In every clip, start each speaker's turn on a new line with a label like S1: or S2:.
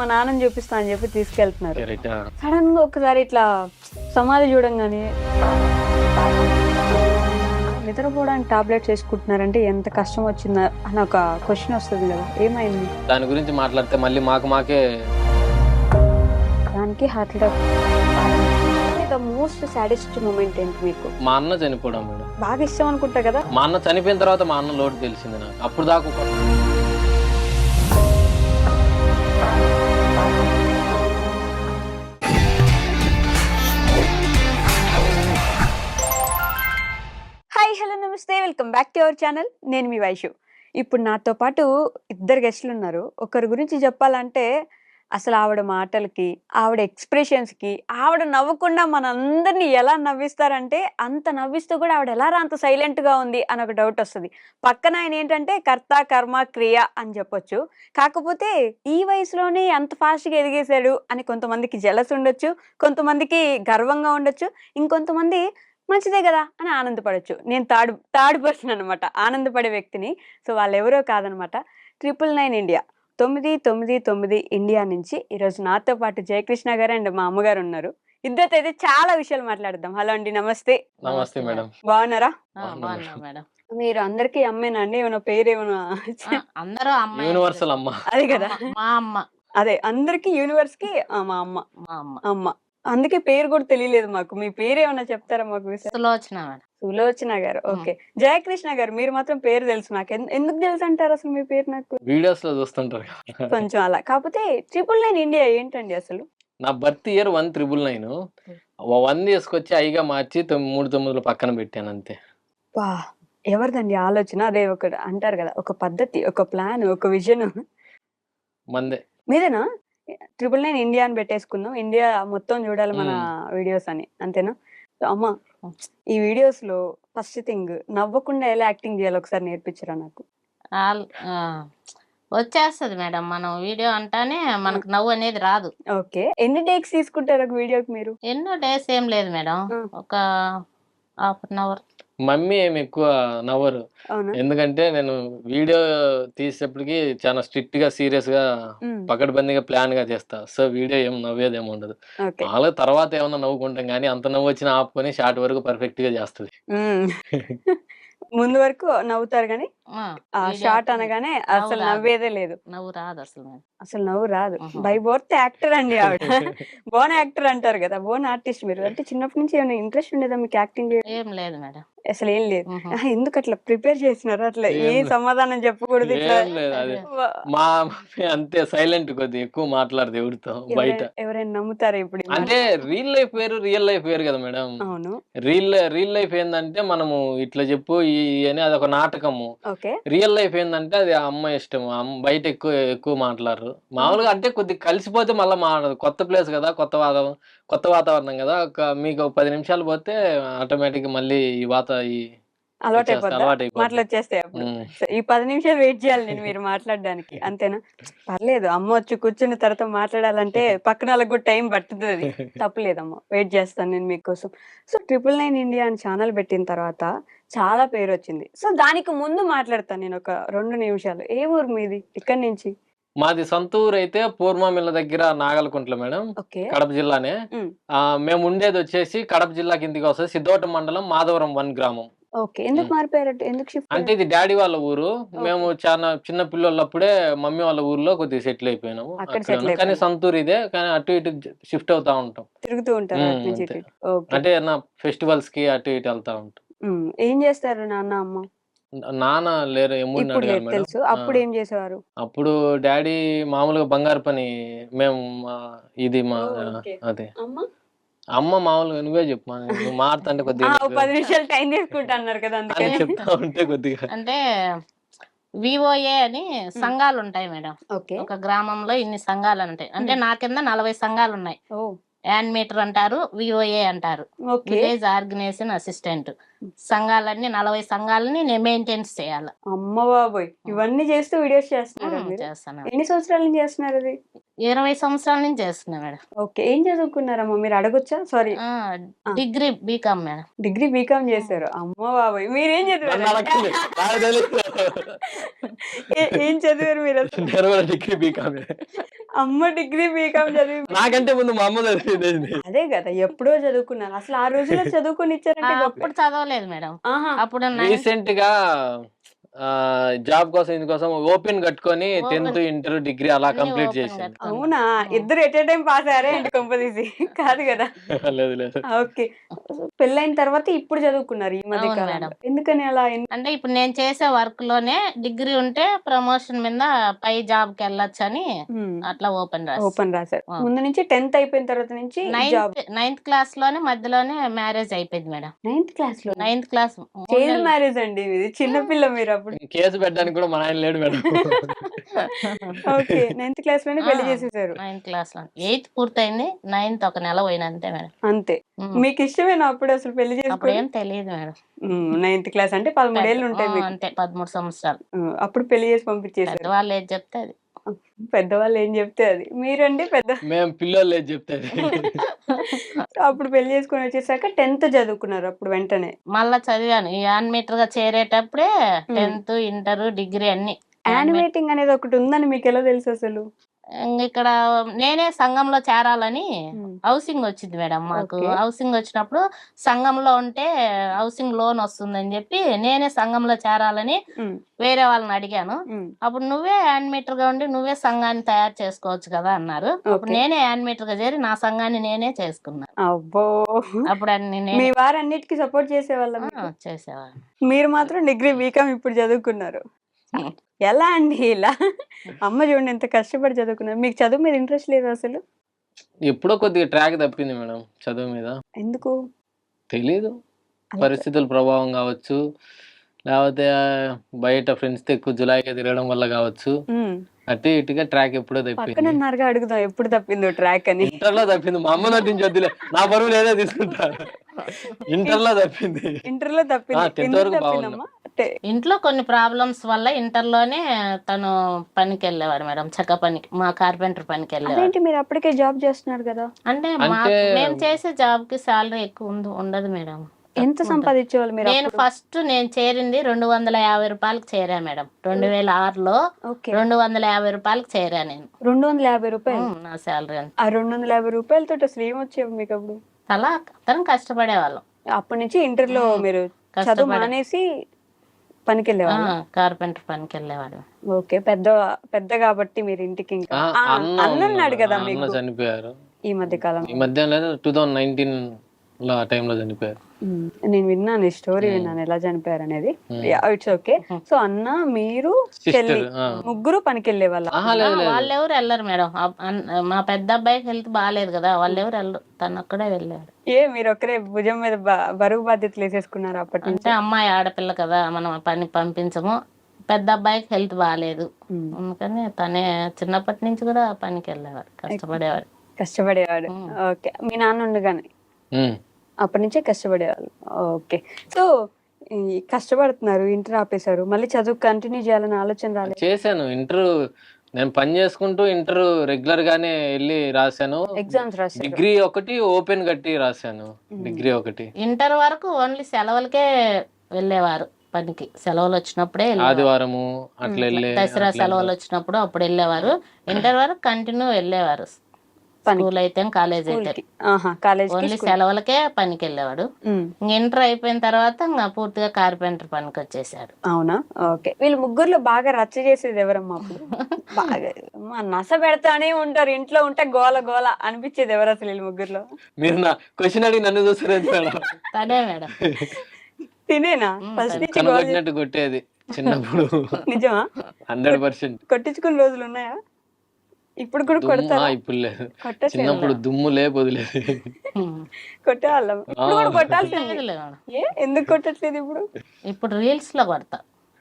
S1: మా నాన్నని చూపిస్తా అని చెప్పి తీసుకెళ్తున్నారు.
S2: Correct.
S1: సడన్ గా ఒకసారి ఇట్లా సమాధి చూడంగానే నిద్రపోవడానికి టాబ్లెట్స్ వేసుకుంటున్నారంటే ఎంత కష్టం వచ్చిందా అని ఒక క్వశ్చన్ వస్తుంది కదా, ఏమైంది?
S2: దాని గురించి మాట్లాడితే మళ్ళీ మాకే
S1: దానికి heart attack. The most saddest moment ఏంటి మీకు?
S2: మా అన్న చనిపోవడం మేడం.
S1: బాగా ఇష్టం అనుకుంటా కదా.
S2: మా అన్న చనిపోయిన తర్వాత మా అన్న లోటు తెలిసింది నాకు. అప్పుడు దాకా
S1: హాయ్ హలో నమస్తే, welcome back to our channel. నేను మీ వైషు. ఇప్పుడు నాతో పాటు ఇద్దరు గెస్టులు ఉన్నారు. ఒకరి గురించి చెప్పాలంటే అసలు ఆవిడ మాటలకి, ఆవిడ ఎక్స్ప్రెషన్స్కి, ఆవిడ నవ్వకుండా మనందరినీ ఎలా నవ్విస్తారంటే అంత నవ్విస్తూ కూడా ఆవిడ ఎలా అంత సైలెంట్గా ఉంది అని ఒక డౌట్ వస్తుంది. పక్కన ఆయన ఏంటంటే కర్త కర్మ క్రియ అని చెప్పొచ్చు. కాకపోతే ఈ వయసులోనే అంత ఫాస్ట్గా ఎదిగేశాడు అని కొంతమందికి జలస్ ఉండొచ్చు, కొంతమందికి గర్వంగా ఉండొచ్చు, ఇంకొంతమంది మంచిదే కదా అని ఆనందపడచ్చు. నేను థర్డ్ పర్సన్ అనమాట, ఆనందపడే వ్యక్తిని. సో వాళ్ళు ఎవరో కాదనమాట, 999 ఇండియా, 999 ఇండియా నుంచి ఈరోజు నాతో పాటు జయకృష్ణ గారు అండ్ మా అమ్మగారు ఉన్నారు. ఇద్దరితో అయితే చాలా విషయాలు మాట్లాడదాం. హలో అండి, నమస్తే.
S2: నమస్తే మేడం.
S1: బాగున్నారా?
S3: మేడం.
S1: మీరు అందరికీ అమ్మేనా అండి? ఏమైనా పేరు ఏమైనా?
S3: అందరూ అమ్మ,
S2: యూనివర్సల్ అమ్మ.
S1: అదే కదా,
S3: మా అమ్మ.
S1: అదే అందరికి యూనివర్స్ కి మా అమ్మ.
S3: మా అమ్మ
S1: అమ్మ అందుకే పేరు కూడా తెలియలేదు మాకు. మీ పేరు ఏమైనా చెప్తారా మాకు?
S3: సులోచన మేడం.
S1: సులోచన గారు. ఓకే. జయకృష్ణ గారు మీరు మాత్రం పేరు తెలుసు నాకు. ఎందుకు తెలుసు అంటారు అసలు మీ పేరు? నాకు
S2: వీడియోస్ లో చూస్తుంటారు.
S1: కొంచెం అలా. కాకపోతే 999 ఇండియా ఏంటండి అసలు?
S2: నా బర్త్ ఇయర్ 1999. 1 తీసుకొచ్చి ఐగా మార్చి 3 9 పక్కన పెట్టాను అంతే.
S1: వా, ఎవరిదండి ఆలోచన? అదే ఒక అంటారు కదా, ఒక పద్ధతి, ఒక ప్లాన్, ఒక విజన్
S2: మందే.
S1: మీదేనా? 999 ఇండియా అని పెట్టేసుకుందాం, ఇండియా మొత్తం చూడాలి మన వీడియోస్ అని, అంతేనా? అమ్మ, ఈ వీడియోస్ లో ఫస్ట్ థింగ్ నవ్వకుండా ఎలా యాక్టింగ్ చేయాలి ఒకసారి నేర్పించరా నాకు?
S3: వచ్చేస్తుంది మేడం, మనం వీడియో అంటానే మనకు నవ్వు అనేది రాదు.
S1: ఓకే. ఎన్ని టేక్స్ తీసుకుంటారు ఒక వీడియోకి మీరు?
S3: ఎన్నో డేస్ ఏం లేదు మేడం, ఒక హాఫ్ అన్ అవర్.
S2: మమ్మీ ఏమి ఎక్కువ నవ్వరు, ఎందుకంటే నేను వీడియో తీసేటప్పటికి చాలా స్ట్రిక్ట్ గా సీరియస్ గా పకడ్బందీగా ప్లాన్ గా చేస్తా. సో వీడియో ఏం నవ్వేదేమి ఉండదు. వాళ్ళ తర్వాత ఏమన్నా నవ్వుకుంటాం కానీ అంత నవ్వు వచ్చినా ఆపుకొని షార్ట్ వరకు పర్ఫెక్ట్ గా చేస్తుంది.
S1: ముందు వరకు నవ్వుతారు కానీ షార్ట్ అనగానే అసలు నవ్వేదే లేదు.
S3: నవ్వు రాదు అసలు,
S1: అసలు నవ్వు రాదు. బై బర్త్ యాక్టర్ అండి ఆవిడ. బోన్ యాక్టర్ అంటారు కదా, బోన్ ఆర్టిస్ట్ మీరు. అంటే చిన్నప్పటి నుంచి ఏమైనా ఇంట్రెస్ట్ ఉండేదా మీకు యాక్టింగ్?
S3: ఏం లేదు మేడం,
S1: అసలు ఏం లేదు. ఎందుకు అట్లా ప్రిపేర్ చేసినారు? అట్లా ఏ సమాధానం చెప్పకూడదు ఇట్లా?
S2: మా అంతే సైలెంట్, కొద్దిగా ఎక్కువ మాట్లాడదు ఎవరితో బయట.
S1: ఎవరైనా నమ్ముతారా ఇప్పుడు?
S2: అంటే రియల్ లైఫ్ వేరు, రియల్ లైఫ్ వేరు కదా మేడం.
S1: అవును.
S2: రియల్ లైఫ్ ఏంటంటే మనము ఇట్లా చెప్పు అని అదొక నాటకము. రియల్ లైఫ్ ఏంటంటే అది అమ్మ ఇష్టం. బయట ఎక్కువ మాట్లాడరు మామూలుగా. అంటే కొద్దిగా కలిసిపోతే మళ్ళీ మాట్లాడదు. కొత్త ప్లేస్ కదా, కొత్త వాతావరణం కదా. మీకు 10 నిమిషాలు పోతే ఆటోమేటిక్ మళ్ళీ ఈ
S1: అలవాటు మాటలు వచ్చేస్తాయి. అప్పుడు ఈ 10 నిమిషాలు వెయిట్ చేయాలి నేను మీరు మాట్లాడడానికి, అంతేనా? పర్లేదు, అమ్మ వచ్చి కూర్చున్న తర్వాత మాట్లాడాలంటే పక్కన వాళ్ళకి కూడా టైం పట్టుతుంది. తప్పలేదమ్మ, వెయిట్ చేస్తాను నేను మీకోసం. సో 999 ఇండియా అని ఛానల్ పెట్టిన తర్వాత చాలా పేరు వచ్చింది. సో దానికి ముందు మాట్లాడతాను నేను ఒక 2 నిమిషాలు. ఏ ఊరు మీది? ఇక్కడి నుంచి?
S2: మాది సొంత ఊరు అయితే పూర్వమిల్ల దగ్గర నాగలకుంట్ల మేడం, కడప జిల్లానే. మేము ఉండేది వచ్చేసి కడప జిల్లా కిందికి వస్తుంది, సిద్ధోట మండలం, మాధవరం 1 గ్రామం.
S1: ఎందుకు మారిపోయారు? ఎందుకు?
S2: అంటే ఇది డాడీ వాళ్ళ ఊరు. మేము చాలా చిన్న పిల్లలప్పుడే మమ్మీ వాళ్ళ ఊర్లో కొద్దిగా సెటిల్ అయిపోయినాము. కానీ సొంత ఊరు ఇదే, కానీ అటు ఇటు షిఫ్ట్ అవుతా ఉంటాం,
S1: తిరుగుతూ ఉంటాం.
S2: అంటే నా ఫెస్టివల్స్ కి అటు ఇటు వెళ్తా ఉంటాం.
S1: ఏం చేస్తారు నాన్న అమ్మ?
S2: నాన్న లేరు,
S1: తెలుసు. అప్పుడు ఏం చేసేవారు?
S2: అప్పుడు డాడీ మామూలుగా బంగారు పని. మేము ఇది మా అదే అమ్మ మామూలుగా. నువ్వే చెప్పు, నువ్వు మారుతుంటే కొద్దిగా
S1: 10 నిమిషాలు టైం తీసుకుంటా అన్నారు కదా, అందుకని
S2: చెప్తా ఉంటే కొద్దిగా.
S3: అంటే విఓఏ అని సంఘాలు ఉంటాయి మేడం. ఒక గ్రామంలో ఇన్ని సంఘాలు ఉంటాయి. అంటే నా కింద 40 సంఘాలు ఉన్నాయి. యానిమేటర్ అంటారు, విఓఏ అంటారు, విలేజ్ ఆర్గనైజేషన్ అసిస్టెంట్. సంఘాలన్నీ 40 సంఘాలని నేను మెయింటెన్స్ చేయాలి.
S1: అమ్మ బాబోయ్, ఇవన్నీ చేస్తూ వీడియోస్ చేస్తున్నారు?
S3: చేస్తాను.
S1: ఎన్ని సంవత్సరాల నుంచి చేస్తున్నారు? అది
S3: 20 సంవత్సరాల నుంచి చేస్తున్నా మేడం.
S1: ఓకే. ఏం చదువుకున్నారమ్మా మీరు అడగొచ్చా? Sorry.
S3: Degree BCom madam.
S1: Degree BCom చేశారు. అమ్మ బాబోయ్! మీరేం
S2: నన్ను
S1: చదివారు?
S2: అడగండి, నాకు తెలీదు.
S1: ఏం చదివారు మీరు అసలు?
S2: నేను కూడా డిగ్రీ బీకామే.
S1: అమ్మ డిగ్రీ బీకామ్ చదివి
S2: నాకంటే ముందు మా అమ్మ చదివింది.
S1: అదే కదా ఎప్పుడో చదువుకున్నారు. అసలు ఆ రోజుల్లో చదువుకొని ఇచ్చారంటే గొప్పే.
S3: అప్పుడు చదవలేదు మేడం.
S1: ఆహా!
S3: అప్పుడు
S2: రీసెంట్ గా జాబ్ కోసం ఇందుకోసం ఓపెన్ కట్టుకొని
S3: Open.
S2: 10th ఇంటర్ డిగ్రీ అలా
S3: అన్ని
S2: కంప్లీట్
S3: open
S2: చేశాను.
S3: కట్టుకున్నా.
S1: అవునా? ఇద్దరు ఎట్ ఏ టైం పాస్ అయ్యారా ఏంటి కొంపదీసి? కాదు కదా.
S2: లేదు లేదు.
S1: ఓకే. పెళ్ళైన తర్వాత ఇప్పుడు చదువుకున్నారు ఈ మధ్య
S3: అవును
S1: కాలంలో.
S3: మేడం.
S1: ఎందుకని అలా?
S3: అంటే ఇప్పుడు నేను చేసే వర్క్ లోనే డిగ్రీ ఉంటే ప్రమోషన్ మీద పై జాబ్ కి వెళ్ళొచ్చని అట్లా ఓపెన్
S1: ఓపెన్ రాశారు. ముందు నుంచి 10th అయిపోయిన తర్వాత నుంచి జాబ్.
S3: నైన్త్ క్లాస్ లోనే మధ్యలోనే మ్యారేజ్ అయిపోయింది మేడం.
S1: 9th క్లాస్ లో.
S3: 9th క్లాస్
S1: చైల్డ్ మ్యారేజ్ అండి ఇది. చిన్నపిల్ల మీరు అప్పుడు.
S2: కేసు పెట్టడానికి కూడా మన ఆయన లేడు మేడం.
S1: ఓకే. 9th క్లాస్ లోనే పెళ్లి చేసేసారు.
S3: 9th క్లాస్ లో 8th పూర్తయింది. 9th ఒక నెల పోయిన అంతే మేడం.
S1: అంతే. మీకు ఇష్టమేనా అప్పుడు అసలు పెళ్లి
S3: అప్పుడు
S1: చేసుకోవడం?
S3: ఏం తెలియదు మేడం.
S1: 9th క్లాస్ అంటే 13 ఏళ్ళు ఉంటాయి మీకు.
S3: అంతే 13 సంవత్సరాలు.
S1: అప్పుడు పెళ్లి చేసి పంపించేసారు.
S3: పెద్దవాళ్ళు ఏది చెప్తే అది.
S1: పెద్దవాళ్ళు ఏం చెప్తే అది. మీరండి పెద్ద.
S2: మేము పిల్లలు లేదు చెప్తాది.
S1: అప్పుడు పెళ్లి చేసుకొని వచ్చేసాక 10th చదువుకున్నారు అప్పుడు వెంటనే.
S3: మళ్ళా చదివాను. ఈ యానిమేటర్ గా చేరేటప్పుడే 10th ఇంటర్ డిగ్రీ అన్ని.
S1: యానిమేటింగ్ అనేది ఒకటి ఉందని మీకు ఎలా తెలుసు అసలు?
S3: ఇక్కడ నేనే సంఘంలో చేరాలని హౌసింగ్ వచ్చింది మేడం మాకు. హౌసింగ్ వచ్చినప్పుడు సంఘంలో ఉంటే హౌసింగ్ లోన్ వస్తుందని చెప్పి నేనే సంఘంలో చేరాలని వేరే వాళ్ళని అడిగాను. అప్పుడు నువ్వే యానిమేటర్ గా ఉండి నువ్వే సంఘాన్ని తయారు చేసుకోవచ్చు కదా అన్నారు. అప్పుడు నేనే యానిమేటర్ గా చేరి నా సంఘాన్ని నేనే చేసుకున్నాను.
S1: అబ్బో!
S3: అప్పుడు అన్ని
S1: మీ వారు అన్నిటికీ సపోర్ట్ చేసేవాళ్ళ?
S3: చేసేవాళ్ళు.
S1: మీరు మాత్రం డిగ్రీ బీకామ్ ఇప్పుడు చదువుకున్నారు. ఎలా అండి ఇలా? అమ్మ చూడండి ఎంత కష్టపడి చదువుకున్నారు. మీకు చదువు మీద ఇంట్రెస్ట్ లేదు అసలు?
S2: ఎప్పుడో కొద్దిగా ట్రాక్ తప్పింది మేడం చదువు మీద.
S1: ఎందుకు
S2: తెలీదు, పరిస్థితుల ప్రభావం కావచ్చు, లేకపోతే బయట ఫ్రెండ్స్ తో ఎక్కువ జులాయిగా తిరగడం వల్ల కావచ్చు. అటు ఇటుగా ట్రాక్ ఎప్పుడో
S1: పక్కన
S2: తప్పింది.
S1: ఉన్నారుగా అడుగుదాం ఎప్పుడు తప్పిందో ట్రాక్ అని.
S2: ఇంటర్ లో తప్పింది. మా అమ్మ నటించి వద్దులే, నా బరువు లేదే తీసుకుంటా. ఇంటర్ లో తప్పింది.
S1: ఇంటర్ లో తప్పింది.
S2: 10th
S1: ఎందుకు
S2: వరకు
S1: తప్పిందమ్మా?
S3: ఇంట్లో కొన్ని ప్రాబ్లమ్స్ వల్ల ఇంటర్ లోనే తను పనికి వెళ్ళేవాడు మేడం. చెక్క పనికి, మా కార్పెంటర్ పనికి వెళ్ళేవాడు.
S1: అదేంటి మీరు అప్పటికే జాబ్ చేస్తున్నారు కదా?
S3: అంటే మేము చేసే జాబ్ కి సాలరీ ఎక్కువ ఉండదు మేడం.
S1: ఎంత సంపాదించేవాళ్ళు మీరు?
S3: నేను ఫస్ట్ నేను చేరింది 250 రూపాయలకు చేరా మేడం. 2006లో 250 రూపాయలకు చేరా నేను.
S1: 250 రూపాయలు
S3: నా సాలరీ అంత.
S1: ఆ 250 రూపాయలతో అసలు ఏం వచ్చేవి మీకు అప్పుడు?
S3: అలా అతను కష్టపడే వాళ్ళం.
S1: అప్పటి నుంచి ఇంటర్ లో మీరు చదువు మానేసి పనికి వెళ్ళేవాళ్ళు?
S3: కార్పెంటర్ పనికి వెళ్ళేవాడు.
S1: ఓకే. పెద్ద కాబట్టి మీరు ఇంటికి ఇంకా అన్న ఉన్నాడు కదా మీకు?
S2: చనిపోయారు
S1: ఈ మధ్య కాలం.
S2: ఈ మధ్య 2019 లో ఆ టైంలో చనిపోయారు.
S1: నేను విన్నాను ఈ స్టోరీ, విన్నాను ఎలా చనిపోయారు అనేది. It's okay. సో అన్న మీరు చెల్లి ముగ్గురు పనికి వెళ్ళే వాళ్ళ?
S3: వాళ్ళెవరు వెళ్ళరు మేడం. మా పెద్ద అబ్బాయికి హెల్త్ బాగాలేదు కదా, వాళ్ళెవరు వెళ్ళరు. తను ఒక్కడే వెళ్ళాడు.
S1: మీరు ఒక్కరే భుజం మీద బరువు బాధ్యతలు వేసేసుకున్నారు అప్పటి నుంచి?
S3: అంటే అమ్మాయి ఆడపిల్ల కదా, మనం పని పంపించము. పెద్ద అబ్బాయికి హెల్త్ బాగాలేదు, అందుకని తనే చిన్నప్పటి నుంచి కూడా పనికి వెళ్ళేవాడు, కష్టపడేవాడు. ఓకే. మీ నాన్న ఉండగానే అప్పటి నుంచే కష్టపడేవాళ్ళు. ఓకే. సో కష్టపడుతున్నారు, ఇంటర్ ఆపేశారు, మళ్ళీ చదువు కంటిన్యూ చేయాలని ఆలోచన రాలేదు?
S2: చేశాను ఇంటర్. నేను పని చేసుకుంటూ ఇంటర్ రెగ్యులర్ గానే వెళ్ళి రాశాను.
S1: ఎగ్జామ్స్ రాశాను.
S2: డిగ్రీ ఒకటి ఓపెన్ కట్టి రాశాను. డిగ్రీ ఒకటి.
S3: ఇంటర్ వరకు ఓన్లీ సెలవులకే వెళ్ళేవారు పనికి. సెలవులు వచ్చినప్పుడే
S2: ఆదివారము అట్లా వెళ్ళే,
S3: దసరా సెలవులు వచ్చినప్పుడు అప్పుడు వెళ్ళేవారు. ఇంటర్ వరకు కంటిన్యూ వెళ్ళేవారు. స్కూల్ అయితే కాలేజ్ అయితే ఓన్లీ సెలవులకే పనికి వెళ్ళేవాడు. ఇంటర్ అయిపోయిన తర్వాత ఇంకా పూర్తిగా కార్పెంటర్ పనికి వచ్చేసాడు.
S1: అవునా? ఓకే. వీళ్ళు ముగ్గురులో బాగా రచ్చ చేసేది ఎవరమ్మా అప్పుడు? బాగా నస పెడతానే ఉంటారు, ఇంట్లో ఉంటే గోల గోల అనిపించేది ఎవరు అసలు వీళ్ళు ముగ్గురులో?
S2: మీరు నా క్వశ్చన్ అడిగి నన్ను చూస్తారు.
S3: తనే మేడం.
S1: తినేనా ఫస్ట్ నుంచి
S2: కొట్టేది చిన్నప్పుడు?
S1: నిజమా?
S2: 100%
S1: కొట్టించుకున్న రోజులు ఉన్నాయా? ఇప్పుడు కూడా కొడతారా?
S2: ఇప్పుడు లేదు, చిన్నప్పుడు దుమ్ములే వదిలేదు.
S1: కొట్టేవాళ్ళం. ఇప్పుడు కూడా కొట్టాల్సింది. ఎందుకు కొట్టట్లేదు ఇప్పుడు?
S3: ఇప్పుడు రీల్స్ లో కొడతా.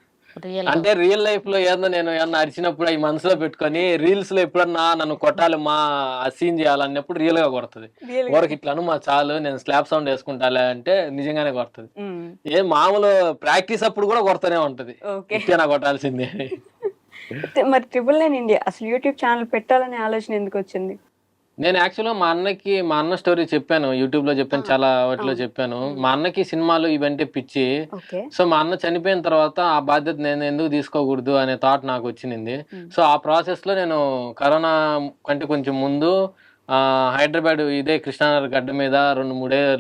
S2: అంటే రియల్ లైఫ్ లో ఏదన్నా నేను ఏమన్నా అరిచినప్పుడు అవి మనసులో పెట్టుకొని రీల్స్ లో ఎప్పుడన్నా నన్ను కొట్టాలి, మా సీన్ చేయాలన్నప్పుడు రియల్ గా కొడుతుంది. ఊరికి ఇట్లాను మా చాలు నేను స్లాప్ సౌండ్ వేసుకుంటాలే అంటే నిజంగానే కొడుతుంది. ఏ మామూలు ప్రాక్టీస్ అప్పుడు కూడా కొడతానే ఉంటది. నా కొట్టాల్సిందే.
S1: మరి 999 ఇండియా అసలు యూట్యూబ్ ఛానల్ పెట్టాలనే ఆలోచన ఎందుకు వచ్చింది?
S2: నేను యాక్చువల్‌గా మా అన్న స్టోరీ చెప్పాను. యూట్యూబ్‌లో చెప్పాను. చాలా వాటిలో చెప్పాను. మా అన్నకి సినిమాలు ఇవంటే పిచ్చి. సో, మా అన్న చనిపోయిన తర్వాత ఆ బాధ్యత నేను ఎందుకు తీసుకోకూడదు అనే థాట్ నాకొచ్చినింది. సో, ఆ ప్రాసెస్‌లో నేను కరోనా కంటే కొంచెం ముందు హైదరాబాద్ ఇదే కృష్ణానగర్ గడ్డ మీద 2,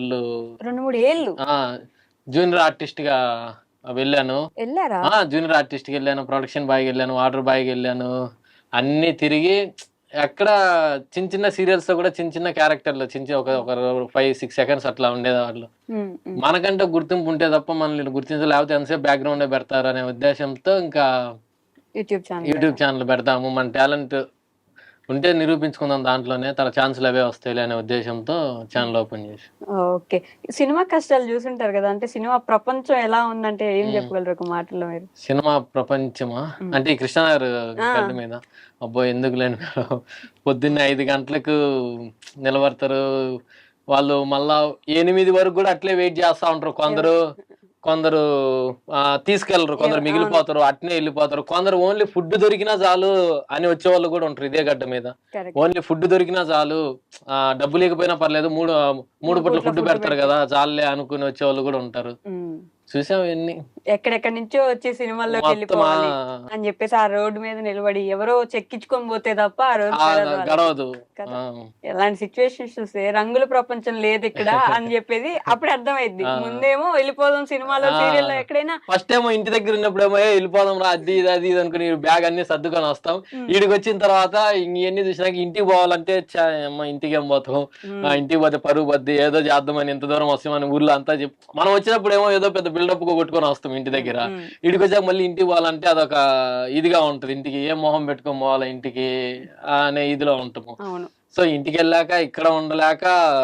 S2: 3 ఏళ్ళు జూనియర్ ఆర్టిస్ట్‌గా వెళ్ళాను. జూనియర్ ఆర్టిస్ట్‌కి వెళ్ళాను, ప్రొడక్షన్ బాయ్‌గా వెళ్ళాను, వాటర్ బాయ్‌గా వెళ్ళాను. అన్నీ తిరిగి ఎక్కడ చిన్న చిన్న సీరియల్స్ లో కూడా చిన్న చిన్న క్యారెక్టర్లు ఒక 5-6 సెకండ్స్ అట్లా ఉండేవాళ్ళు. మనకంటే గుర్తింపు ఉంటే తప్ప మనల్ని గుర్తించ లేకపోతే ఎంతసేపు బ్యాక్గ్రౌండ్ పెడతారు అనే ఉద్దేశంతో ఇంకా యూట్యూబ్ ఛానల్ పెడతాము, మన టాలెంట్ ఉంటే నిరూపించుకుందాం, దాంట్లోనే తన ఛాన్సులు అవే వస్తాయి అనే ఉద్దేశంతో ఛానల్ ఓపెన్ చేసి.
S1: ఓకే, సినిమా కష్టాలు చూసుంటారు కదా, అంటే సినిమా ప్రపంచం ఎలా ఉందంటే ఏం చెప్పగలరు ఒక మాటలో మీరు?
S2: సినిమా ప్రపంచమా అంటే ఈ కృష్ణానగర్ గడ్డ మీద అబ్బో ఎందుకు లేని పొద్దున్నే 5 గంటలకు నిలబడతారు వాళ్ళు, మళ్ళా 8 వరకు కూడా అట్లే వెయిట్ చేస్తా ఉంటారు. కొందరు తీసుకెళ్లరు, కొందరు మిగిలిపోతారు, అట్నే వెళ్ళిపోతారు. కొందరు ఓన్లీ ఫుడ్ దొరికినా చాలు అని వచ్చే వాళ్ళు కూడా ఉంటారు. ఇదే గడ్డ మీద ఓన్లీ ఫుడ్ దొరికినా చాలు, డబ్బు లేకపోయినా పర్లేదు, మూడు పూట్ల ఫుడ్ పెడతారు కదా చాలులే అనుకుని వచ్చే వాళ్ళు కూడా ఉంటారు. చూసాం ఎన్ని, ఎక్కడెక్కడి నుంచో వచ్చి సినిమాల్లోకి వెళ్ళిపోవాలి అని చెప్పేసి ఆ రోడ్డు మీద నిలబడి ఎవరో చెక్కించుకొని పోతే తప్ప ఆ రోజు గడవదు. ఎలాంటి సిచ్యువేషన్స్ చూస్తే రంగుల ప్రపంచం లేదు ఇక్కడ అని చెప్పేది అప్పుడు అర్థమైంది. ముందేమో వెళ్ళిపోదాం సినిమాలో సీరియల్లో ఎక్కడైనా, ఫస్ట్ ఏమో ఇంటి దగ్గర ఉన్నప్పుడేమో వెళ్ళిపోదాం రా అది ఇది అనుకుని బ్యాగ్ అన్ని సర్దుకొని వస్తాం. ఈడికి వచ్చిన తర్వాత ఇవన్నీ చూసినాక ఇంటికి పోవాలంటే ఇంటికి ఏం పోతాం, ఇంటికి పోతే పరుగు బద్ది ఏదో చేద్దామని ఎంత దూరం వస్తామని ఊర్లో అంతా మనం వచ్చినప్పుడు ఏమో ఏదో పెద్ద బిల్డప్ కొట్టుకొని వస్తాం ఇంటి దగ్గర. ఇంటికి వచ్చాక మళ్ళీ ఇంటికి పోవాలంటే అదొక ఇదిగా ఉంటది, ఇంటికి ఏం మొహం పెట్టుకొని పోవాలా ఇంటికి అనే ఇదిలో ఉంటాము. సో ఇంటికి వెళ్ళాక ఇక్కడ ఉండలేక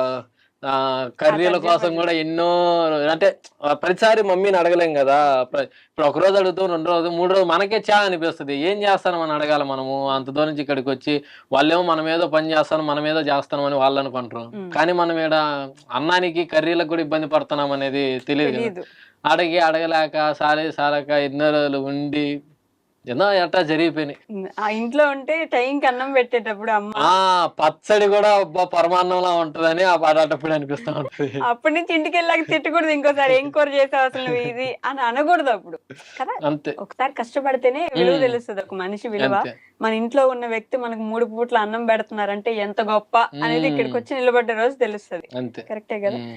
S2: కర్రీల కోసం కూడా ఎన్నో, అంటే ప్రతిసారి మమ్మీని అడగలేం కదా. ఇప్పుడు ఒక రోజు అడుగుతాం, 2 రోజులు 3 రోజులు మనకే చా అనిపిస్తుంది. ఏం చేస్తాను మనం అడగాలి, మనము అంత దూరం నుంచి ఇక్కడికి వచ్చి వాళ్ళేమో మనం ఏదో పని చేస్తాను మనం ఏదో చేస్తాం అని వాళ్ళు అనుకుంటారు. కానీ మనం ఇక్కడ అన్నానికి కర్రీలకు కూడా ఇబ్బంది పడుతున్నాం అనేది తెలియదు. అడగలేక సారక ఎన్నో రోజులు ఉండి ఏదో ఎట్టా జరిగిపోయినాయి. ఆ ఇంట్లో ఉంటే టైంకి అన్నం పెట్టేటప్పుడు పచ్చడి కూడా పరమాన్నంలా ఉంటదని ఆ పాడేటప్పుడు అనిపిస్తా ఉంటది. అప్పటి నుంచి ఇంటికి వెళ్ళాక తిట్టకూడదు, ఇంకోసారి ఏం కూర చేసావు అసలు ఇది అని అనకూడదు అప్పుడు కదా. అంతే, ఒకసారి కష్టపడితేనే విలువ తెలుస్తుంది ఒక మనిషి విలువ. మన ఇంట్లో ఉన్న వ్యక్తి మనకు 3 పూట్ల అన్నం పెడుతున్నారంటే ఎంత గొప్ప అనేది ఇక్కడికి వచ్చి నిలబడ్డ రోజు తెలుస్తుంది. కరెక్టే కదా.